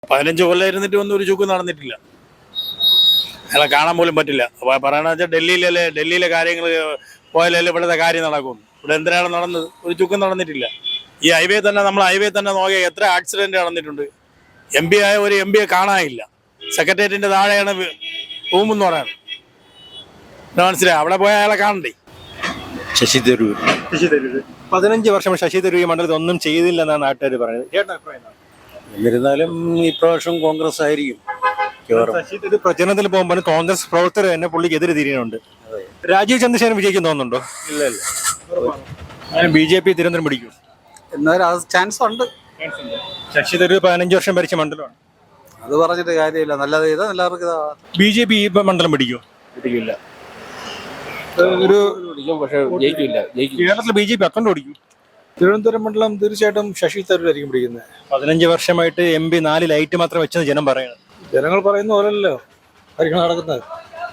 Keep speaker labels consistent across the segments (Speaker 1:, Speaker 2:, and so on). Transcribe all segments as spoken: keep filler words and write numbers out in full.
Speaker 1: പതിനഞ്ച് കൊല്ലം ഇരുന്നിട്ട് ഒന്നും ഒരു ചുക്കും നടന്നിട്ടില്ല. അയാളെ കാണാൻ പോലും പറ്റില്ല. പറയണ വെച്ചാൽ ഡൽഹിയിലല്ലേ, ഡൽഹിയിലെ കാര്യങ്ങൾ പോയാലല്ലേ ഇവിടുത്തെ കാര്യം നടക്കും. ഇവിടെ എന്തിനാണ് നടന്നത്? ഒരു ചുക്കും നടന്നിട്ടില്ല. ഈ ഹൈവേ തന്നെ, നമ്മൾ ഹൈവേ തന്നെ നോക്കിയാൽ എത്ര ആക്സിഡന്റ് നടന്നിട്ടുണ്ട്. എം പി ആയ ഒരു എം പിയെ കാണാനില്ല. സെക്രട്ടേറിയറ്റിന്റെ താഴെയാണ് റൂം എന്ന് പറയുന്നത്. മനസ്സിലായി? അവിടെ പോയ അയാളെ കാണണ്ടേ?
Speaker 2: ശശി തരൂർ.
Speaker 3: ശശി തരൂർ പതിനഞ്ച് വർഷം ശശി തരൂർ ഈ മണ്ഡലത്തിൽ ഒന്നും ചെയ്തില്ലെന്നാണ് നാട്ടുകാർ പറയുന്നത്. ചേട്ടൻ അഭിപ്രായം എന്താണ്?
Speaker 2: എന്നിരുന്നാലും ഇപ്രാവശ്യം കോൺഗ്രസ് ആയിരിക്കും.
Speaker 3: ശശി തരൂർ പ്രചരണത്തിൽ പോകുമ്പോൾ കോൺഗ്രസ് പ്രവർത്തകർ തന്നെ പുള്ളിക്ക് എതിരെ തിരിയുന്നുണ്ട്. രാജീവ് ചന്ദ്രശേഖരൻ വിജയിക്കും തോന്നുന്നുണ്ടോ?
Speaker 2: ഇല്ല ഇല്ല
Speaker 3: അങ്ങനെ ബി ജെ പി തിരുവനന്തപുരം പിടിക്കും
Speaker 4: എന്നാലും ചാൻസ് ഉണ്ട്.
Speaker 3: ശശി തരൂർ പതിനഞ്ച് വർഷം ഭരിച്ച മണ്ഡലമാണ്.
Speaker 4: അത് പറഞ്ഞിട്ട് കാര്യമില്ല. നല്ലത് ചെയ്താൽ എല്ലാവർക്കും
Speaker 3: ബി ജെ പി ഈ മണ്ഡലം പിടിക്കും.
Speaker 2: പിടിക്കില്ല.
Speaker 3: ഒരു
Speaker 2: പക്ഷേ ജയിക്കില്ല.
Speaker 3: കേരളത്തിൽ ബി ജെ പി അക്കൗണ്ട് ഓടിക്കും.
Speaker 4: തിരുവനന്തപുരം മണ്ഡലം തീർച്ചയായിട്ടും ശശി തരൂരായിരിക്കും പിടിക്കുന്നത്.
Speaker 3: പതിനഞ്ച് വർഷമായിട്ട് എം പി നാല് ലൈറ്റ് മാത്രം വെച്ചെന്ന് ജനം പറയുന്നത്.
Speaker 4: ജനങ്ങൾ പറയുന്ന പോലല്ലോ ആയിരിക്കണം നടക്കുന്നത്.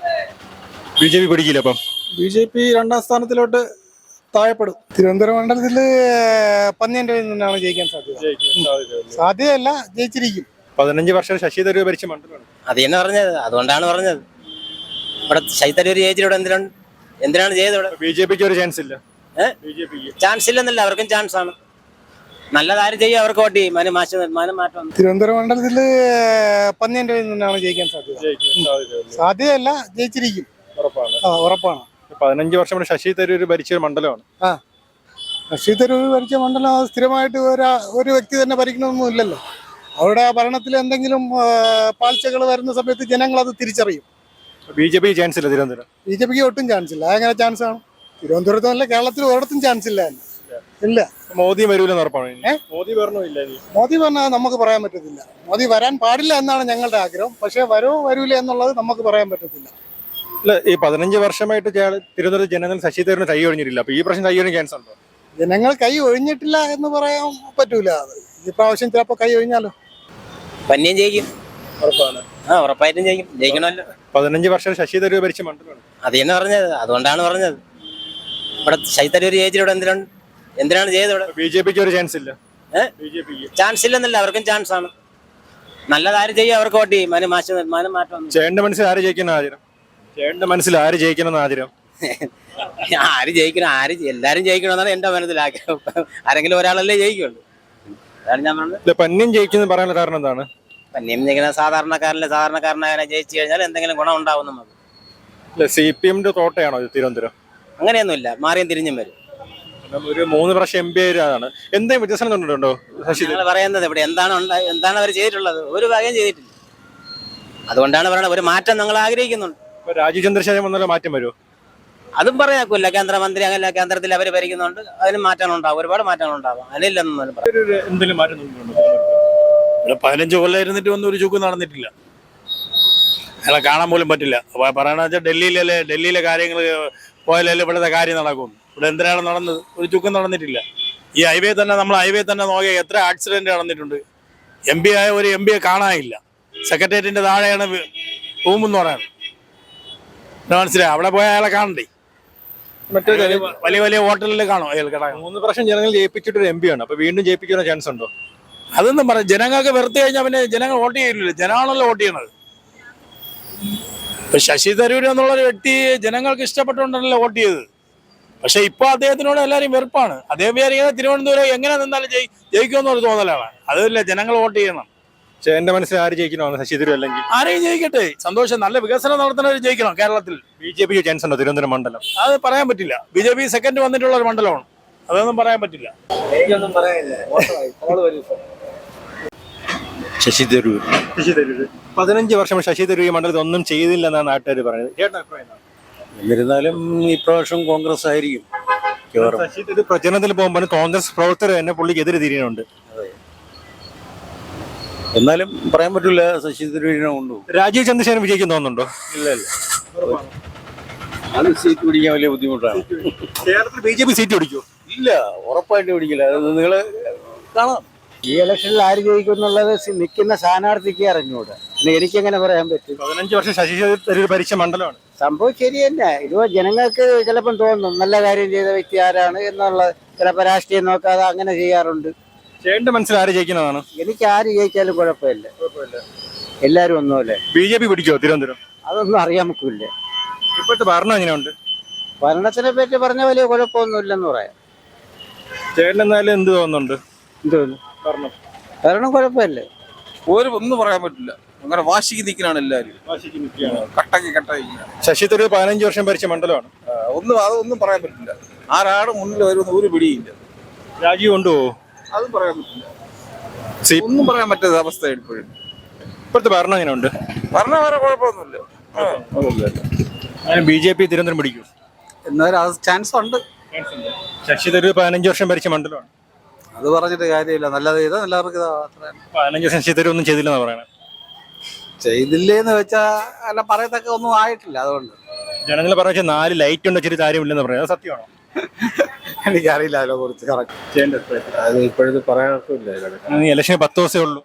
Speaker 3: ബി ജെ പി പിടിക്കില്ല. അപ്പം
Speaker 4: ബി ജെ പി രണ്ടാം സ്ഥാനത്തിലോട്ട് താഴെപ്പെടും. തിരുവനന്തപുരം മണ്ഡലത്തിൽ പന്നിയൻ്റെ നിന്നാണ് ജയിക്കാൻ സാധ്യത. സാധ്യതയല്ല, ജയിച്ചിരിക്കും.
Speaker 3: പതിനഞ്ച് വർഷം ശശി തരൂർ ഭരിച്ച മണ്ഡലമാണ്.
Speaker 5: അത് തന്നെ പറഞ്ഞത്. അതുകൊണ്ടാണ് പറഞ്ഞത് ഇവിടെ ശശി തരൂർ ജയിച്ചിവിടെ എന്തിനാണ് എന്തിനാണ് ചെയ്തത്? ഇവിടെ
Speaker 3: ബി ജെ പിക്ക് ഒരു ചാൻസ് ഇല്ല.
Speaker 5: ചാൻസ് ഇല്ലെന്നല്ല, അവർക്കും ചാൻസ് ആണ്. നല്ലതാരും ചെയ്യും, അവർക്ക് വോട്ട് ചെയ്യും. അതിന് മാറ്റം മാറ്റം
Speaker 4: തിരുവനന്തപുരം മണ്ഡലത്തിൽ പന്നിയൻ്റെ നിന്നാണ് ജയിക്കാൻ സാധ്യത. സാധ്യതയല്ല, ജയിച്ചിരിക്കും. ഉറപ്പാണ്.
Speaker 3: പതിനഞ്ച് വർഷം കൊണ്ട് ശശി തരൂർ ഭരിച്ച ഒരു മണ്ഡലമാണ്.
Speaker 4: ആ ശശി തരൂർ ഭരിച്ച മണ്ഡലം സ്ഥിരമായിട്ട് ഒരു ഒരു വ്യക്തി തന്നെ ഭരിക്കണമെന്നൊന്നും ഇല്ലല്ലോ. അവരുടെ ഭരണത്തിൽ എന്തെങ്കിലും പാഴ്ചകൾ വരുന്ന സമയത്ത് ജനങ്ങൾ അത് തിരിച്ചറിയും.
Speaker 3: ബി ജെ പി ചാൻസ് ഇല്ല തിരുവനന്തപുരം.
Speaker 4: ബി ജെ പിക്ക് ഒട്ടും ചാൻസ് ഇല്ല. അതെങ്ങനെ ചാൻസ് ആണ്? തിരുവനന്തപുരത്തല്ല, കേരളത്തിൽ ഒരിടത്തും ചാൻസ് ഇല്ല. ഇല്ല.
Speaker 3: മോദി വരൂലെന്ന് ഉറപ്പാണ്. മോദി വരണമില്ല.
Speaker 4: മോദി പറഞ്ഞാൽ നമുക്ക് പറയാൻ പറ്റത്തില്ല. മോദി വരാൻ പാടില്ല എന്നാണ് ഞങ്ങളുടെ ആഗ്രഹം. പക്ഷെ വരോ വരൂല എന്നുള്ളത് നമുക്ക് പറയാൻ പറ്റത്തില്ല.
Speaker 3: ഇല്ല, ഈ പതിനഞ്ച് വർഷമായിട്ട് തിരുവനന്തപുരം ജനങ്ങൾ ശശി തരൂരിന് കൈ ഒഴിഞ്ഞിട്ടില്ല. അപ്പൊ ഈ പ്രാവശ്യം കൈ ഒഴിഞ്ഞ ചാൻസ് ഉണ്ടോ?
Speaker 4: ജനങ്ങൾ കൈ ഒഴിഞ്ഞിട്ടില്ല എന്ന് പറയാൻ പറ്റൂല. അത് ഈ പ്രാവശ്യം ചിലപ്പോ കൈ ഒഴിഞ്ഞാലോ.
Speaker 5: പന്നിയും ജയിക്കും.
Speaker 3: ഉറപ്പാണ്.
Speaker 5: ആ ഉറപ്പായിട്ടും ജയിക്കും. ജയിക്കണമല്ലോ.
Speaker 3: പതിനഞ്ച് വർഷം ശശി തരൂർ ഭരിച്ച മണ്ഡലമാണ്.
Speaker 5: അത് തന്നെ പറഞ്ഞത്. അതുകൊണ്ടാണ് പറഞ്ഞത് ഇവിടെ ശശി തരൂർ ജയിച്ചിവിടെ എന്തിനാണ് എന്തിനാണ് ചെയ്തത്? ഇവിടെ
Speaker 3: ബി ജെ പിക്ക് ഒരു ചാൻസ് ഇല്ല.
Speaker 5: ചാൻസ് ഇല്ലെന്നല്ല, അവർക്കും ചാൻസ് ആണ്. നല്ലതാരും ചെയ്യും, അവർക്ക് വോട്ട് ചെയ്യും. അതിന് മാറ്റം അതിന് മാറ്റം
Speaker 3: ചേട്ടന്റെ മനസ്സിൽ ആര് ജയിക്കണം ആചരം? ചേട്ടന്റെ മനസ്സിൽ ആര് ജയിക്കണം ആചരം?
Speaker 5: ആര് ജയിക്കണം? ആര് എല്ലാരും ജയിക്കണമെന്നാണ് എന്റെ മനസ്സിൽ ആഗ്രഹം. ആരെങ്കിലും ഒരാളല്ലേ ജയിക്കുള്ളൂ. അതാണ് ഞാൻ പറഞ്ഞത്.
Speaker 3: പന്നിയും ജയിക്കുന്ന പറയാനുള്ള കാരണം എന്താണ്?
Speaker 5: പന്നിയും ജയിക്കുന്ന സാധാരണക്കാരല്ലേ. സാധാരണക്കാരനെ ജയിച്ചു കഴിഞ്ഞാൽ എന്തെങ്കിലും ഗുണം ഉണ്ടാവും നമുക്ക്.
Speaker 3: സി പി എമ്മിന്റെ തോട്ടയാണോ തിരുവനന്തപുരം?
Speaker 5: അങ്ങനെയൊന്നുമില്ല, മാറിയും തിരിഞ്ഞും വരും.
Speaker 3: ഒരു മൂന്ന് പ്രാവശ്യം എം പി ആയതാണ്. എന്തെങ്കിലും വ്യത്യാസം കണ്ടിട്ടുണ്ടോ?
Speaker 5: ഞങ്ങൾ പറയുന്നത് ഇവിടെ എന്താണ് എന്താണ് അവർ ചെയ്തിട്ടുള്ളത്? ഒരു ഭാഗം ചെയ്തിട്ടില്ല. അതുകൊണ്ടാണ് പറയുന്നത് ഒരു മാറ്റം ഞങ്ങൾ ആഗ്രഹിക്കുന്നുണ്ട്.
Speaker 3: രാജീവ് ചന്ദ്രശേഖരൻ വന്നാലും മാറ്റം വരുമോ?
Speaker 5: അതും പറയാക്കൂല്ല. കേന്ദ്രമന്ത്രി അങ്ങനെ കേന്ദ്രത്തിൽ അവർ ഭരിക്കുന്നുണ്ട്. അതിന് മാറ്റം ഉണ്ടാവും, ഒരുപാട് മാറ്റങ്ങൾ ഉണ്ടാവും. അതിനില്ലെന്നും
Speaker 3: എന്തെങ്കിലും മാറ്റം
Speaker 1: ഇവിടെ പതിനഞ്ച് കൊല്ലം ഇരുന്നിട്ട് ഒന്നും ഒരു ചുക്കും നടന്നിട്ടില്ല. അയാളെ കാണാൻ പോലും പറ്റില്ല. പറയണ വെച്ചാൽ ഡൽഹിയിലല്ലേ, ഡൽഹിയിലെ കാര്യങ്ങൾ പോയാലല്ലേ ഇവിടുത്തെ കാര്യം നടക്കും. ഇവിടെ എന്തിനാണ് നടന്നത്? ഒരു ചുക്കും നടന്നിട്ടില്ല. ഈ ഹൈവേ തന്നെ, നമ്മൾ ഹൈവേ തന്നെ നോക്കിയാൽ എത്ര ആക്സിഡന്റ് നടന്നിട്ടുണ്ട്. എം പി ആയ ഒരു എം പിയെ കാണാനില്ല. സെക്രട്ടേറിയറ്റിന്റെ താഴെയാണ് റൂം എന്ന് പറയുന്നത്. മനസ്സിലായി? അവിടെ പോയ അയാളെ കാണണ്ടേ?
Speaker 3: മറ്റേ
Speaker 1: വലിയ വലിയ ഹോട്ടലിൽ കാണും അയാൾ കിടക്കാൻ.
Speaker 3: മൂന്ന് പ്രാവശ്യം ജനങ്ങൾ ജയിപ്പിച്ചിട്ട് ഒരു എം പി ആണ്. അപ്പൊ വീണ്ടും ജയിപ്പിക്കുന്ന ചാൻസ് ഉണ്ടോ?
Speaker 1: അതൊന്നും പറയാം. ജനങ്ങൾക്ക് വെറുതെ കഴിഞ്ഞാൽ പിന്നെ ജനങ്ങൾ വോട്ട് ചെയ്യില്ലല്ലോ. ജനമാണല്ലോ വോട്ട് ചെയ്യണത്. ഇപ്പൊ ശശി തരൂർ എന്നുള്ളൊരു വ്യക്തി ജനങ്ങൾക്ക് ഇഷ്ടപ്പെട്ടുകൊണ്ടല്ലോ വോട്ട് ചെയ്തത്. പക്ഷെ ഇപ്പൊ അദ്ദേഹത്തിനോട് എല്ലാവരും വെറുപ്പാണ്. അദ്ദേഹം വിചാരിക്കുന്നത് തിരുവനന്തപുരം എങ്ങനെ നിന്നാലും ജയി ജയിക്കുമെന്നൊരു തോന്നലാണ്. അതല്ല, ജനങ്ങൾ വോട്ട് ചെയ്യണം.
Speaker 3: എന്റെ മനസ്സിൽ ആര് ജയിക്കണോ? ശശി തരൂർ അല്ലെങ്കിൽ
Speaker 1: ആരെയും ജയിക്കട്ടെ, സന്തോഷം. നല്ല വികസനം നടത്തുന്നവർ ജയിക്കണം കേരളത്തിൽ.
Speaker 3: ബി ജെ പിക്ക് ചാൻസ് ഉണ്ടോ തിരുവനന്തപുരം മണ്ഡലം?
Speaker 1: അത് പറയാൻ പറ്റില്ല. ബി ജെ പി സെക്കൻഡ് വന്നിട്ടുള്ള ഒരു മണ്ഡലമാണ്. അതൊന്നും പറയാൻ പറ്റില്ല.
Speaker 2: ശശി തരൂർ.
Speaker 3: ശശി തരൂർ പതിനഞ്ച് വർഷം ശശി തരൂർ ഈ മണ്ഡലത്തിൽ ഒന്നും ചെയ്തില്ലെന്നാണ് നാട്ടുകാർ പറയുന്നത്. ചേട്ടൻ അഭിപ്രായം എന്താണ്?
Speaker 2: എന്നിരുന്നാലും ഇപ്രാവശ്യം കോൺഗ്രസ് ആയിരിക്കും.
Speaker 3: ശശി തരൂർ പ്രചരണത്തിൽ പോകുമ്പോൾ കോൺഗ്രസ് പ്രവർത്തകർ തന്നെ പുള്ളിക്ക് എതിരെ തിരിയുന്നുണ്ട്.
Speaker 2: എന്നാലും പറയാൻ പറ്റില്ല. ശശി തരൂരിനെ കൊണ്ടു.
Speaker 3: രാജീവ് ചന്ദ്രശേഖരൻ വിജയിക്കും തോന്നുന്നുണ്ടോ?
Speaker 2: ഇല്ല ഇല്ല അത് സീറ്റ് പിടിക്കാൻ വലിയ ബുദ്ധിമുട്ടാണ്.
Speaker 3: കേരളത്തിൽ ബി ജെ പി സീറ്റ് പിടിക്കുമോ?
Speaker 2: ഇല്ല, ഉറപ്പായിട്ട് പിടിക്കില്ല. അത് നിങ്ങള് കാണാം.
Speaker 6: ഈ ഇലക്ഷനിൽ ആര് ജയിക്കും എന്നുള്ളത് നിൽക്കുന്ന സ്ഥാനാർത്ഥിക്ക് അറിഞ്ഞൂടെ. പിന്നെ എനിക്കെങ്ങനെ പറയാൻ പറ്റും?
Speaker 3: പതിനഞ്ച് വർഷം ശശി തരൂർ ഭരിച്ച മണ്ഡലമാണ്.
Speaker 6: സംഭവം ശരി തന്നെ. ഇതുപോ ജനങ്ങൾക്ക് ചിലപ്പം തോന്നും നല്ല കാര്യം ചെയ്ത വ്യക്തി ആരാണ് എന്നുള്ളത്. ചിലപ്പോൾ രാഷ്ട്രീയം നോക്കാതെ അങ്ങനെ ചെയ്യാറുണ്ട്.
Speaker 3: ചേട്ടന്റെ മനസ്സിൽ ആര് ജയിക്കുന്നതാണ്?
Speaker 6: എനിക്ക് ആര് ജയിച്ചാലും കുഴപ്പമില്ല. എല്ലാരും ഒന്നുമല്ലേ.
Speaker 3: ബി ജെ പി പിടിക്കോ തിരുവനന്തപുരം?
Speaker 6: അതൊന്നും അറിയാൻ നമുക്കില്ല.
Speaker 3: ഇപ്പോഴത്തെ ഭരണം എങ്ങനെയുണ്ട്?
Speaker 6: ഭരണത്തിനെ പറ്റി പറഞ്ഞ വലിയ കുഴപ്പമൊന്നുമില്ലെന്ന് പറയാം.
Speaker 3: ചേട്ടൻ എന്നാലും എന്ത് തോന്നുന്നുണ്ട്?
Speaker 6: എന്തോന്നു
Speaker 3: ഭരണം
Speaker 6: ഭരണം കുഴപ്പമില്ല.
Speaker 2: ഒരു ഒന്നും പറയാൻ പറ്റില്ല. അങ്ങനെ വാശിക്ക് നിൽക്കണാണ് എല്ലാവരും. കട്ടക്ക് കട്ടായി
Speaker 3: ശശി തരൂർ പതിനഞ്ച് വർഷം ഭരിച്ച മണ്ഡലമാണ്.
Speaker 2: ഒന്നും അതൊന്നും പറയാൻ പറ്റില്ല. ആരാണ് മുന്നിൽ വരുമെന്ന് ഒരു പിടിയില്ല.
Speaker 3: രാജീവ് കൊണ്ടുപോകുമോ?
Speaker 2: അതും പറയാൻ പറ്റില്ല.
Speaker 3: സി-
Speaker 2: ഒന്നും പറയാൻ പറ്റാത്ത അവസ്ഥ ഇപ്പോഴും.
Speaker 3: ഇപ്പോഴത്തെ ഭരണം എങ്ങനെയുണ്ട്?
Speaker 2: പറഞ്ഞാൽ വേറെ കുഴപ്പമൊന്നുമില്ല.
Speaker 3: ബി ജെ പി തിരുവനന്തപുരം പിടിക്കും.
Speaker 2: എന്നാലും ചാൻസ് ഉണ്ട്.
Speaker 3: ശശി തരൂർ പതിനഞ്ച് വർഷം ഭരിച്ച മണ്ഡലമാണ്.
Speaker 2: അത് പറഞ്ഞിട്ട് കാര്യമില്ല. നല്ലത് ചെയ്താൽ എല്ലാവർക്കും
Speaker 3: പതിനഞ്ച് വർഷം ശശി തരൂർ ഒന്നും ചെയ്തില്ലെന്ന് പറയണത്.
Speaker 2: ചെയ്തില്ലേന്ന് വെച്ചാ അല്ല പറയത്തക്ക ഒന്നും ആയിട്ടില്ല. അതുകൊണ്ട്
Speaker 3: ജനങ്ങൾ പറഞ്ഞ നാല് ലൈറ്റ് ഉണ്ട് വെച്ചിട്ട് കാര്യമില്ലെന്ന് പറയാം. അത് സത്യമാണോ?
Speaker 2: എനിക്കറിയില്ല അതിനെ കുറിച്ച് കറക്റ്റ്. അത് ഇപ്പോഴത്തെ പറയാനൊക്കില്ല.
Speaker 3: ഇലക്ഷന് പത്ത് ദിവസമേ ഉള്ളൂ.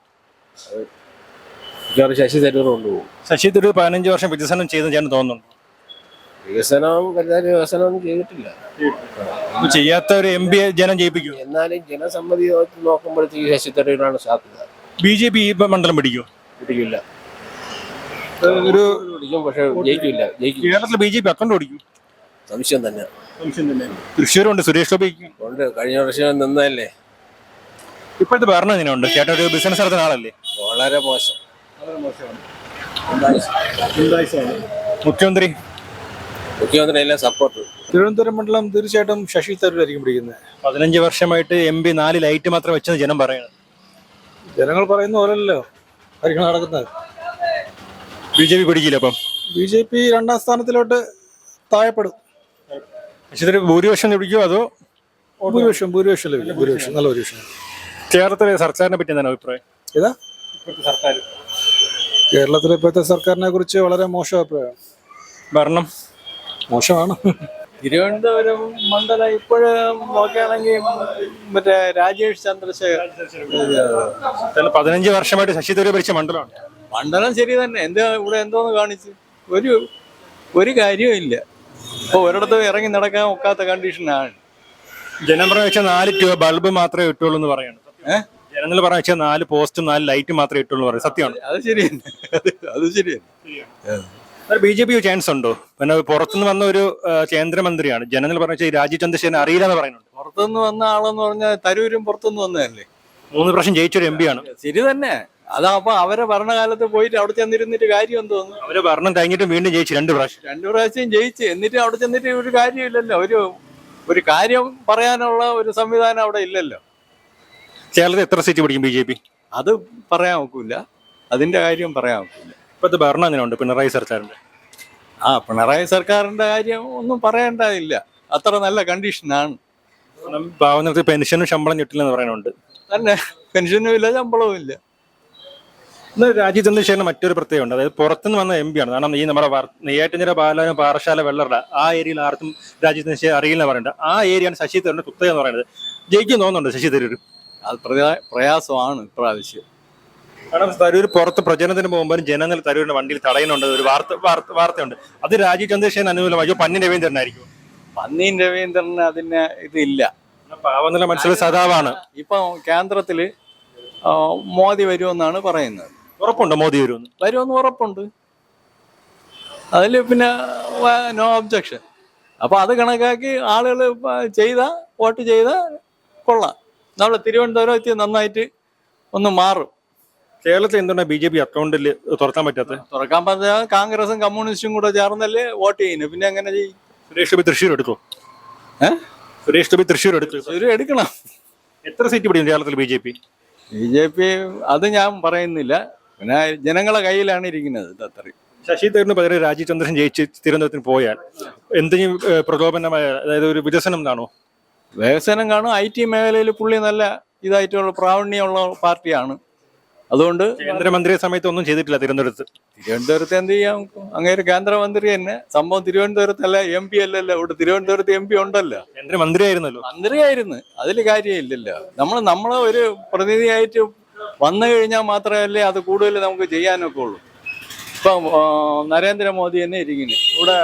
Speaker 2: ശശി തരൂർ കൊണ്ടുപോകും.
Speaker 3: ശശി തരൂർ പതിനഞ്ച് വർഷം വികസനം ചെയ്ത് ഞാൻ തോന്നുന്നുണ്ട്.
Speaker 2: വികസനം കരുതാൻ വികസനമൊന്നും ചെയ്തിട്ടില്ല.
Speaker 3: ഇപ്പൊ ചെയ്യാത്ത ഒരു എം പി ജനം ജയിപ്പിക്കും.
Speaker 2: എന്നാലും ജനസമ്മതി നോക്കുമ്പോഴത്തേക്ക് ശശി തരൂരാണ് സാധ്യത.
Speaker 3: ബി ജെ പി ഈ മണ്ഡലം പിടിക്കും.
Speaker 2: പിടിക്കില്ല.
Speaker 3: ഒരു
Speaker 2: പിടിക്കും, പക്ഷെ ജയിക്കില്ല. ജയിക്കും.
Speaker 3: കേരളത്തിൽ ബി ജെ പി അക്കൗണ്ട് പിടിക്കും.
Speaker 2: സംശയം തന്നെ.
Speaker 3: തൃശ്ശൂരുണ്ട്, സുരേഷ് ഗോപി
Speaker 2: ഉണ്ട്. കഴിഞ്ഞ വർഷം നിന്നല്ലേ.
Speaker 3: ഇപ്പോഴത്തെ ഭരണം എങ്ങനെയുണ്ട്? ചേട്ടൻ ഒരു ബിസിനസ് നടത്തുന്ന ആളല്ലേ?
Speaker 2: വളരെ മോശം.
Speaker 3: മുഖ്യമന്ത്രി
Speaker 2: മുഖ്യമന്ത്രി എല്ലാം സപ്പോർട്ട്.
Speaker 4: തിരുവനന്തപുരം മണ്ഡലം തീർച്ചയായിട്ടും ശശി തരൂരായിരിക്കും പിടിക്കുന്നത്.
Speaker 3: പതിനഞ്ച് വർഷമായിട്ട് എം പി നാല് ലൈറ്റ് മാത്രം വെച്ചെന്ന് ജനം പറയുന്നത്.
Speaker 4: ജനങ്ങൾ പറയുന്ന പോലല്ലോ കാര്യങ്ങൾ നടക്കുന്നത്.
Speaker 3: ബി ജെ പി പിടിക്കില്ല. അപ്പം
Speaker 4: ബി ജെ പി രണ്ടാം സ്ഥാനത്തിലോട്ട് താഴെപ്പെടും.
Speaker 3: ശശി തരൂർ ഭൂരിപക്ഷം പിടിക്കുമോ അതോ?
Speaker 4: ഭൂരിപക്ഷം ഭൂരിപക്ഷം ലഭിക്കും. ഭൂരിപക്ഷം നല്ല ഭൂരിപക്ഷം.
Speaker 3: കേരളത്തിലെ സർക്കാരിനെ പറ്റി എന്താണ് അഭിപ്രായം?
Speaker 4: ഏതാ
Speaker 3: സർക്കാർ
Speaker 4: കേരളത്തിലെ ഇപ്പോഴത്തെ സർക്കാരിനെ കുറിച്ച് വളരെ മോശം അഭിപ്രായം.
Speaker 3: ഭരണം
Speaker 4: മോശമാണ്.
Speaker 7: തിരുവനന്തപുരം മണ്ഡലം ഇപ്പോഴും നോക്കുകയാണെങ്കിൽ മറ്റേ രാജേഷ് ചന്ദ്രശേഖർ
Speaker 3: പതിനഞ്ച് വർഷമായിട്ട് ശശി തരൂർ ഭരിച്ച മണ്ഡലമാണ്.
Speaker 7: മണ്ഡലം ശരി തന്നെ. എന്താ ഇവിടെ എന്തോന്ന് കാണിച്ച് ഒരു ഒരു കാര്യവും ഇല്ല. ഇപ്പൊ ഒരിടത്തും ഇറങ്ങി നടക്കാൻ ഒക്കാത്ത കണ്ടീഷനാണ്.
Speaker 3: ജനം പറഞ്ഞ വെച്ചാൽ നാല് ട്യൂബ് ബൾബ് മാത്രമേ ഇട്ടുള്ളൂ എന്ന് പറയാണ്.
Speaker 7: ഏഹ്
Speaker 3: ജനങ്ങൾ പറഞ്ഞ വെച്ചാൽ നാല് പോസ്റ്റും നാല് ലൈറ്റ് മാത്രമേ ഇട്ടുള്ളൂ പറയും. സത്യമാണ്.
Speaker 7: അത് ശരി തന്നെ. അത് അത് ശരി തന്നെ.
Speaker 3: ബി ജെ പി ചാൻസ് ഉണ്ടോ? പിന്നെ പുറത്തുനിന്ന് വന്ന ഒരു ആ, കേന്ദ്രമന്ത്രിയാണ്. ജനങ്ങൾ പറഞ്ഞ വെച്ചാൽ രാജീവ് ചന്ദ്രശേഖരൻ അറിയില്ല എന്ന് പറയുന്നുണ്ട്.
Speaker 7: പുറത്തുനിന്ന് വന്ന ആളെന്ന് പറഞ്ഞാൽ തരൂരും പുറത്തുനിന്ന് വന്നതല്ലേ.
Speaker 3: മൂന്ന് പ്രാവശ്യം ജയിച്ചൊരു എം പി ആണ്.
Speaker 7: ശരി തന്നെ. അതാ അപ്പൊ അവരെ ഭരണകാലത്ത് പോയിട്ട് അവിടെ ചെന്നിരുന്നിട്ട് കാര്യം എന്തോന്നു?
Speaker 3: അവര് ഭരണം കഴിഞ്ഞിട്ടും വീണ്ടും ജയിച്ചു രണ്ട് പ്രാവശ്യം.
Speaker 7: രണ്ടു പ്രാവശ്യം ജയിച്ച് എന്നിട്ട് അവിടെ ചെന്നിട്ട് ഒരു കാര്യമില്ലല്ലോ. ഒരു ഒരു കാര്യം പറയാനുള്ള ഒരു സംവിധാനം അവിടെ ഇല്ലല്ലോ.
Speaker 3: കേരളത്തിൽ എത്ര സീറ്റ് പിടിക്കും ബി ജെ പി?
Speaker 7: അത് പറയാൻ ഒക്കില്ല. അതിന്റെ കാര്യം പറയാൻ ഒക്കില്ല.
Speaker 3: ഇപ്പോഴത്തെ ഭരണം എങ്ങനെയുണ്ട് പിണറായി സർക്കാരിന്റെ?
Speaker 7: ആ പിണറായി സർക്കാരിന്റെ കാര്യം ഒന്നും പറയേണ്ടതില്ല. അത്ര നല്ല കണ്ടീഷനാണ്
Speaker 3: പാവങ്ങൾക്ക് പെൻഷനും ശമ്പളം കിട്ടില്ലെന്ന് പറയുന്നുണ്ട്.
Speaker 7: തന്നെ. പെൻഷനും ഇല്ല, ശമ്പളവും ഇല്ല.
Speaker 3: ഇന്ന് രാജീവ് ചന്ദ്രശേഖരന് മറ്റൊരു പ്രത്യേകമുണ്ട്. അതായത് പുറത്തുനിന്ന് വന്ന എം പി ആണ്. കാരണം ഈ നമ്മുടെ നെയ്യാറ്റിൻകര പാലാനും പാറശാല വെള്ളറ ആ ഏരിയയിൽ ആർക്കും രാജീവ് ചന്ദ്രശേഖരൻ അറിയില്ലെന്ന് പറയുന്നത്. ആ ഏരിയയാണ് ശശി തരൂരിന്റെ കുത്തക എന്ന് പറയുന്നത്. ജയിക്കും തോന്നുന്നുണ്ട് ശശി തരൂർ?
Speaker 7: അത് പ്രയാ- പ്രയാസമാണ് ഇപ്രാവശ്യം.
Speaker 3: കാരണം തരൂർ പുറത്ത് പ്രചരണത്തിന് പോകുമ്പോൾ ജനങ്ങൾ തരൂരിന്റെ വണ്ടിയിൽ തടയുന്നുണ്ട് ഒരു വാർത്ത വാർത്ത വാർത്തയുണ്ട്. അത് രാജീവ് ചന്ദ്രശേഖരൻ അനുകൂലമായി പന്നി രവീന്ദ്രനായിരിക്കും.
Speaker 7: പന്നീൻ രവീന്ദ്രന് അതിന് ഇതില്ല.
Speaker 3: പാവനില മനസ്സിലെ സദാവാണ്.
Speaker 7: ഇപ്പൊ കേന്ദ്രത്തില് ആ, മോദി വരുമെന്നാണ് പറയുന്നത്.
Speaker 3: ഉറപ്പുണ്ടോ മോദി വരുമെന്ന്?
Speaker 7: വരുമെന്ന് ഉറപ്പുണ്ട്. അതിൽ പിന്നെ നോ ഒബ്ജക്ഷൻ. അപ്പൊ അത് കണക്കാക്കി ആളുകൾ ചെയ്ത വോട്ട് ചെയ്ത കൊള്ളാം. നമ്മളെ തിരുവനന്തപുരത്ത് നന്നായിട്ട് ഒന്ന് മാറും.
Speaker 3: കേരളത്തിൽ എന്തുകൊണ്ടാണ് ബി ജെ പി അക്കൗണ്ടിൽ തുറക്കാൻ പറ്റാത്തത്?
Speaker 7: തുറക്കാൻ പറഞ്ഞാൽ കോൺഗ്രസും കമ്മ്യൂണിസ്റ്റും കൂടെ ചേർന്നല്ലേ വോട്ട് ചെയ്യുന്നു. പിന്നെ എങ്ങനെ ചെയ്യും?
Speaker 3: സുരേഷ് ഗോപി തൃശ്ശൂർ എടുക്കും.
Speaker 7: ഏഹ്
Speaker 3: സുരേഷ് ഗോപി തൃശ്ശൂർ എടുക്കും.
Speaker 7: ഒരു എടുക്കണം.
Speaker 3: എത്ര സീറ്റ് പിടിക്കും കേരളത്തിൽ B J P?
Speaker 7: B J P അത് ഞാൻ പറയുന്നില്ല. പിന്നെ ജനങ്ങളെ കയ്യിലാണ് ഇരിക്കുന്നത്. ഇത് അത്രയും.
Speaker 3: ശശി തരൂരിന് പകരം രാജീവ് ചന്ദ്രൻ ജയിച്ച് തിരുവനന്തപുരത്തിന് പോയാൽ എന്തെങ്കിലും ഏഹ്, പ്രകോപനമായ അതായത് ഒരു വികസനം കാണോ?
Speaker 7: വികസനം കാണും. ഐ ടി മേഖലയിൽ പുള്ളി നല്ല ഇതായിട്ടുള്ള പ്രാവീണ്യമുള്ള പാർട്ടിയാണ്. അതുകൊണ്ട്
Speaker 3: കേന്ദ്രമന്ത്രിയെ സമയത്ത് ഒന്നും ചെയ്തിട്ടില്ല തിരുവനന്തപുരത്ത്.
Speaker 7: തിരുവനന്തപുരത്ത് എന്ത് ചെയ്യാം? അങ്ങേര് കേന്ദ്രമന്ത്രി തന്നെ. സംഭവം തിരുവനന്തപുരത്തല്ല, എം പി അല്ലല്ലോ. ഇവിടെ തിരുവനന്തപുരത്ത് എം പി ഉണ്ടല്ലോ.
Speaker 3: കേന്ദ്രമന്ത്രിയായിരുന്നല്ലോ.
Speaker 7: മന്ത്രിയായിരുന്നു. അതിൽ കാര്യമില്ലല്ലോ. നമ്മൾ നമ്മളെ ഒരു പ്രതിനിധിയായിട്ട് വന്നു കഴിഞ്ഞാൽ മാത്രമല്ലേ അത് കൂടുതൽ നമുക്ക് ചെയ്യാനൊക്കെ ഉള്ളൂ. ഇപ്പം ആ, നരേന്ദ്രമോദി തന്നെ ഇരിക്കുന്നു. ഇവിടെ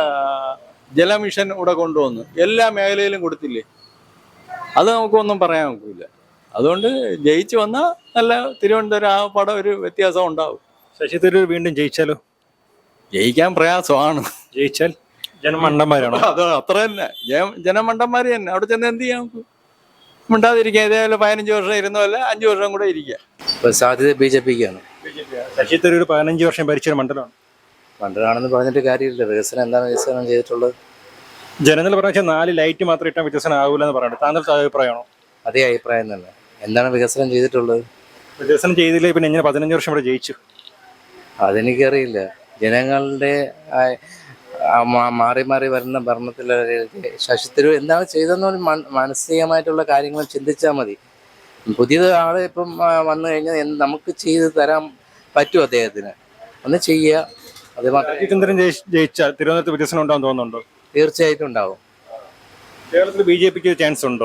Speaker 7: ജലമിഷൻ ഇവിടെ കൊണ്ടുവന്നു എല്ലാ മേഖലയിലും കൊടുത്തില്ലേ. അത് നമുക്കൊന്നും പറയാൻ ഒക്കില്ല. അതുകൊണ്ട് ജയിച്ചു വന്നാൽ നല്ല തിരുവനന്തപുരം ആ പടം ഒരു വ്യത്യാസം ഉണ്ടാവും.
Speaker 3: ശശി തരൂർ വീണ്ടും ജയിച്ചാലോ?
Speaker 7: ജയിക്കാൻ പ്രയാസമാണ്.
Speaker 3: ജയിച്ചാൽ ജനമണ്ടന്മാരാണോ?
Speaker 7: അത് അത്ര തന്നെ ജന- ജനമണ്ടന്മാർ തന്നെ. അവിടെ ചെന്ന് എന്ത് ചെയ്യാം? മിണ്ടാതിരിക്കുക. ഇതേപോലെ പതിനഞ്ച് വർഷം ഇരുന്നല്ല അഞ്ചു വർഷം കൂടെ ഇരിക്കുക.
Speaker 5: ഇപ്പൊ സാധ്യത ബി ജെ പിക്കാണ്.
Speaker 3: ശശി തരൂർ പതിനഞ്ച് വർഷം ഭരിച്ചൊരു മണ്ഡലമാണ്.
Speaker 5: മണ്ടനാണെന്ന് പറഞ്ഞിട്ട് കാര്യമില്ല. വികസനം എന്താണ് വികസനം ചെയ്തിട്ടുള്ളത്?
Speaker 3: ജനങ്ങൾ പറഞ്ഞാൽ നാല് ലൈറ്റ് മാത്രം ഇട്ടാൽ വികസനം ആകൂല എന്ന് പറയുന്നത് താങ്കളുടെ അഭിപ്രായമാണോ?
Speaker 5: അതേ അഭിപ്രായം തന്നെ. എന്താണ് വികസനം ചെയ്തിട്ടുള്ളത്?
Speaker 3: വികസനം ചെയ്തില്ലേ പിന്നെ എങ്ങനെ പതിനഞ്ച് വർഷം ഇവിടെ ജയിച്ചു?
Speaker 5: അതെനിക്കറിയില്ല. ജനങ്ങളുടെ ആ, ആ, മാ- മാറി മാറി വരുന്ന ഭരണത്തിൽ ശശി തരൂർ എന്താണ് ചെയ്തതെന്ന് പറഞ്ഞ് മന- മാനസികമായിട്ടുള്ള കാര്യങ്ങൾ ചിന്തിച്ചാൽ മതി. പുതിയത് ആള് ഇപ്പം ആ, വന്നു കഴിഞ്ഞാൽ എന്ത് നമുക്ക് ചെയ്ത് തരാൻ പറ്റും അദ്ദേഹത്തിന്? ഒന്ന് ചെയ്യുക. അത് മാത്രമേ
Speaker 3: രാജീവ്ചന്ദ്രൻ ജയി- ജയിച്ചാൽ തിരുവനന്തപുരത്ത് വികസനം ഉണ്ടാവും തോന്നുന്നുണ്ടോ?
Speaker 5: തീർച്ചയായിട്ടും ഉണ്ടാവും.
Speaker 3: കേരളത്തിൽ ബി ജെ പിക്ക് ചാൻസ് ഉണ്ടോ?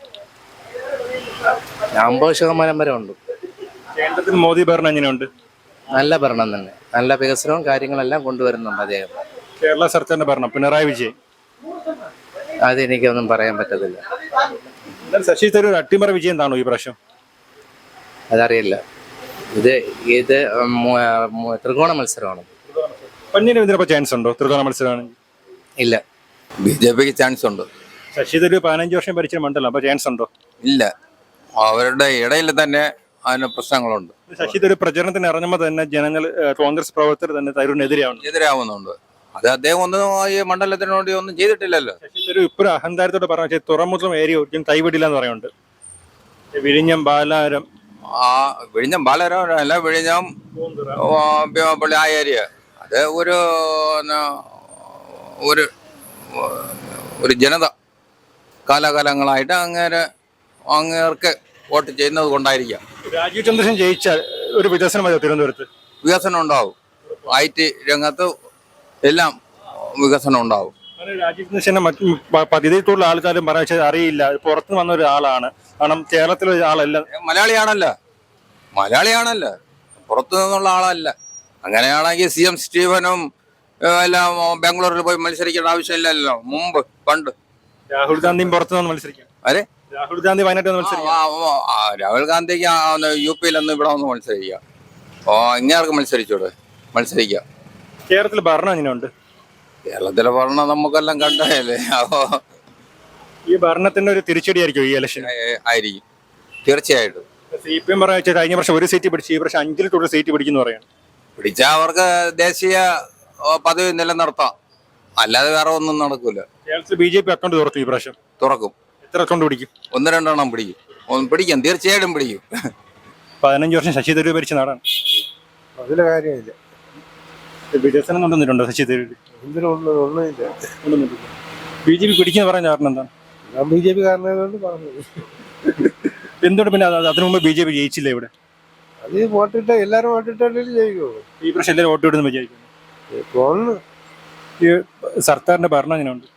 Speaker 5: അമ്പത് ശതമാനം വരെ ഉണ്ട്.
Speaker 3: കേന്ദ്രത്തിൽ മോദി ഭരണം എങ്ങനെയുണ്ട്?
Speaker 5: നല്ല ഭരണം തന്നെ. നല്ല വികസനവും കാര്യങ്ങളെല്ലാം കൊണ്ടുവരുന്നുണ്ട് അദ്ദേഹം.
Speaker 3: കേരള സർക്കാരിന്റെ ഭരണം പിണറായി വിജയൻ.
Speaker 5: അതെനിക്കൊന്നും പറയാൻ പറ്റത്തില്ല.
Speaker 3: എന്നാൽ ശശി തരൂർ അട്ടിമറി വിജയം താണോ ഈ പ്രാവശ്യം?
Speaker 5: അതറിയില്ല. ഇത് ഇത് മു- മു- ത്രികോണ മത്സരമാണ്.
Speaker 3: പന്നീർ ഇതിനപ്പോ ചാൻസ് ഉണ്ടോ ത്രികോണ മത്സരമാണെങ്കിൽ?
Speaker 5: ഇല്ല.
Speaker 2: ബി ജെ പിക്ക് ചാൻസ് ഉണ്ട്.
Speaker 3: ശശി തരൂർ പതിനഞ്ച് വർഷം ഭരിച്ച മണ്ഡലം, അപ്പൊ ചാൻസ് ഉണ്ടോ?
Speaker 2: ഇല്ല, അവരുടെ ഇടയിൽ തന്നെ അതിന് പ്രശ്നങ്ങളുണ്ട്,
Speaker 3: ശശി തരൂർ പ്രചരണത്തിന് ഇറങ്ങുമ്പോൾ തന്നെ ജനങ്ങൾ ഏഹ്, കോൺഗ്രസ് പ്രവർത്തകർ തന്നെ തരൂരിനെതിരെയാണ്.
Speaker 2: എതിരാവുന്നുണ്ട്. അത് അദ്ദേഹം ഒന്നും ഈ മണ്ഡലത്തിന് വേണ്ടി ഒന്നും ചെയ്തിട്ടില്ലല്ലോ.
Speaker 3: ശശി തരൂർ ഇപ്പോഴും അഹങ്കാരത്തോടെ പറഞ്ഞു തുറമുഖം ഏരിയ ഒരിക്കലും കൈവിടില്ല എന്ന് പറയുന്നുണ്ട്. വിഴിഞ്ഞം, ബാലാരം,
Speaker 2: ആ വിഴിഞ്ഞം ബാലരാമൻ അല്ല, വിഴിഞ്ഞം ആ, പി- പുള്ളി ആ ഏരിയ അത് ഒരു ന, ഒരു ഒരു ജനത കാലാകാലങ്ങളായിട്ട് അങ്ങേരെ അങ്ങേർക്ക് വോട്ട് ചെയ്യുന്നത് കൊണ്ടായിരിക്കാം
Speaker 3: രാജീവ് ചന്ദ്രശേഖരൻ ജയിച്ചാൽ ഒരു വികസനം മതിയോ തിരുവനന്തപുരത്ത്?
Speaker 2: വികസനം ഉണ്ടാവും. ഐ ടി രംഗത്ത് എല്ലാം വികസനം ഉണ്ടാവും.
Speaker 3: അങ്ങനെ രാജീവ് ചന്ദ്രശേഖരനെ മറ്റ് പ- പകുതിയിലുള്ള ആൾക്കാരും പറഞ്ഞാൽ അറിയില്ല, പുറത്ത് വന്ന ഒരാളാണ്. കാരണം കേരളത്തിലെ ഒരാളല്ല.
Speaker 2: മലയാളിയാണല്ലോ മലയാളിയാണല്ലോ പുറത്തു നിന്നുള്ള ആളല്ല. അങ്ങനെയാണെങ്കിൽ സി എം സ്റ്റീഫനും ഏ, എല്ലാം ബാംഗ്ലൂരിൽ പോയി മത്സരിക്കേണ്ട ആവശ്യമില്ലല്ലോ. മുമ്പ് പണ്ട്
Speaker 3: രാഹുൽ ഗാന്ധിയും പുറത്ത് നിന്ന് മത്സരിക്കാം.
Speaker 2: അരെ
Speaker 3: രാഹുൽ ഗാന്ധി വയനാട്ടിൽ നിന്ന്
Speaker 2: ആ,
Speaker 3: മത്സരിക്കാം.
Speaker 2: ആ, ആ, രാഹുൽ ഗാന്ധിക്ക് ആ, ഒന്ന് യു പിയിലൊന്ന് ഇവിടെ ഒന്ന് മത്സരിക്കുക. ഓ ഇങ്ങേർക്ക് മത്സരിച്ചൂടെ? മത്സരിക്കുക.
Speaker 3: കേരളത്തിൽ ഭരണം എങ്ങനെയുണ്ട്?
Speaker 2: കേരളത്തിലെ ഭരണം നമുക്കെല്ലാം കണ്ടതല്ലേ. അപ്പോ
Speaker 3: ഈ ഭരണത്തിന്റെ ഒരു തിരിച്ചടിയായിരിക്കും ഈ ഇലക്ഷൻ.
Speaker 2: ഏ, ആയിരിക്കും തീർച്ചയായിട്ടും.
Speaker 3: സി പി എം പറഞ്ഞ കഴിഞ്ഞ വർഷം ഒരു സീറ്റ് പിടിച്ച് ഈ വർഷം അഞ്ചിൽ കൂടുതൽ സീറ്റ് പിടിക്കുന്നു പറയാണ്.
Speaker 2: പിടിച്ചാൽ അവർക്ക് ദേശീയ ഓ, പദവി നിലനിർത്താം. അല്ലാതെ വേറെ ഒന്നും നടക്കൂല.
Speaker 3: കേരളത്തിൽ ബി ജെ പി അക്കൗണ്ട് തുറക്കും ഈ പ്രാവശ്യം.
Speaker 2: തുറക്കും.
Speaker 3: എത്ര അക്കൗണ്ട് പിടിക്കും?
Speaker 2: ഒന്ന് രണ്ടെണ്ണം പിടിക്കും. ഒന്ന് പിടിക്കും, തീർച്ചയായിട്ടും പിടിക്കും.
Speaker 3: പതിനഞ്ച് വർഷം ശശി തരൂർ ഭരിച്ച നാടാണ്.
Speaker 4: അതിലെ കാര്യമില്ല.
Speaker 3: വികസനം കൊണ്ടുവന്നിട്ടുണ്ടോ ശശി തരൂർ?
Speaker 4: ഒന്നുമില്ല.
Speaker 3: ബി ജെ പി പിടിക്കുന്ന പറയാൻ കാരണം എന്താണ്?
Speaker 4: ഞാൻ ബി ജെ പി കാരണമായതുകൊണ്ട് പറഞ്ഞത്.
Speaker 3: എന്തുകൊണ്ട് പിന്നെ അത് അതിനു മുമ്പ് ബി ജെ പി ജയിച്ചില്ല ഇവിടെ?
Speaker 4: അത് വോട്ടിട്ട എല്ലാരും വോട്ടിട്ടല്ലേ ജയിക്കുള്ളൂ.
Speaker 3: ഈ പ്രാവശ്യം എല്ലാവരും വോട്ട് ഇടുന്നു വിചാരിക്കുന്നു.
Speaker 4: തോന്നുന്നു.
Speaker 3: ഈ സർക്കാരിന്റെ ഭരണം എങ്ങനെയുണ്ട്?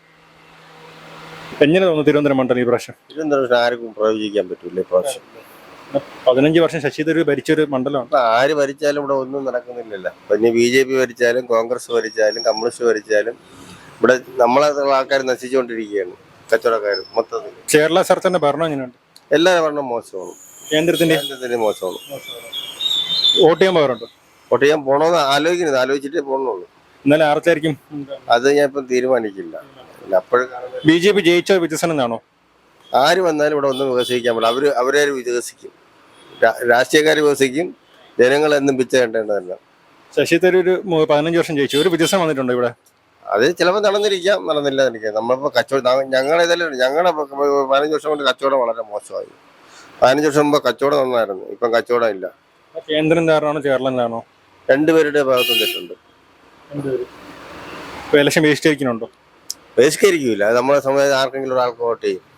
Speaker 3: എങ്ങനെ തോന്നുന്നു തിരുവനന്തപുരം മണ്ഡലം ഈ പ്രാവശ്യം?
Speaker 8: തിരുവനന്തപുരത്ത് ആർക്കും പ്രവചിക്കാൻ പറ്റൂല ഇപ്രാവശ്യം.
Speaker 3: പതിനഞ്ച് വർഷം ശശി തരൂർ ഭരിച്ചൊരു മണ്ഡലമാണ്.
Speaker 8: ഇപ്പൊ ആര് ഭരിച്ചാലും ഇവിടെ ഒന്നും നടക്കുന്നില്ലല്ലോ. പിന്നെ ബി ജെ പി ഭരിച്ചാലും കോൺഗ്രസ് ഭരിച്ചാലും കമ്മ്യൂണിസ്റ്റ് ഭരിച്ചാലും ഇവിടെ നമ്മളെ ആൾക്കാർ നശിച്ചുകൊണ്ടിരിക്കുകയാണ്. കച്ചവടക്കാർ മൊത്തത്തിൽ.
Speaker 3: കേരള സർക്കാരിന്റെ ഭരണം എങ്ങനെയുണ്ട്?
Speaker 8: എല്ലാ ഭരണം മോശമാണ്.
Speaker 3: കേന്ദ്രത്തിന്റെ
Speaker 8: കേന്ദ്രത്തിന്റെ മോശമാണ്.
Speaker 3: വോട്ട് ചെയ്യാൻ പോകാറുണ്ടോ?
Speaker 8: വോട്ട് ചെയ്യാൻ പോണോന്ന് ആലോചിക്കുന്നത്, ആലോചിച്ചിട്ടേ പോകണുള്ളൂ.
Speaker 3: എന്നാലും ആർക്കായിരിക്കും?
Speaker 8: അത് ഞാൻ ഇപ്പം തീരുമാനിക്കില്ല. അപ്പോഴും
Speaker 3: ബി ജെ പി ജയിച്ച വികസനം എന്നാണോ?
Speaker 8: ആര് വന്നാലും ഇവിടെ ഒന്നും വികസിക്കാൻ പറ്റില്ല. അവര് അവരെ വികസിക്കും. രാഷ്ട്രീയക്കാർ വികസിക്കും. ജനങ്ങൾ എന്നും പിച്ച കണ്ടേണ്ടതല്ല.
Speaker 3: ശശി തരൂർ മു- പതിനഞ്ച് വർഷം ജയിച്ചു. ഒരു വികസനം വന്നിട്ടുണ്ടോ ഇവിടെ?
Speaker 8: അത് ചിലപ്പോൾ നടന്നിരിക്കാം, നടന്നില്ല എനിക്ക്. നമ്മളിപ്പോൾ കച്ചവടം ഞങ്ങളെ ഇതല്ലേ ഞങ്ങളുടെ പതിനഞ്ച് വർഷം കൊണ്ട് കച്ചവടം വളരെ മോശമായി. പതിനഞ്ച് വർഷം മുമ്പ് കച്ചവടം നന്നായിരുന്നു. ഇപ്പം കച്ചവടം ഇല്ല.
Speaker 3: കേന്ദ്രം കാരണമാണോ കേരളം കാരണോ?
Speaker 8: രണ്ടുപേരുടെ ഭാഗത്തും തെറ്റുണ്ട്.
Speaker 3: ഇപ്പൊ ഇലക്ഷൻ ബഹിഷ്കരിക്കുന്നുണ്ടോ?
Speaker 8: ബഹിഷ്കരിക്കില്ല. അത് നമ്മളെ സമയത്ത് ആർക്കെങ്കിലും ഒരാൾക്ക് വോട്ട് ചെയ്യും.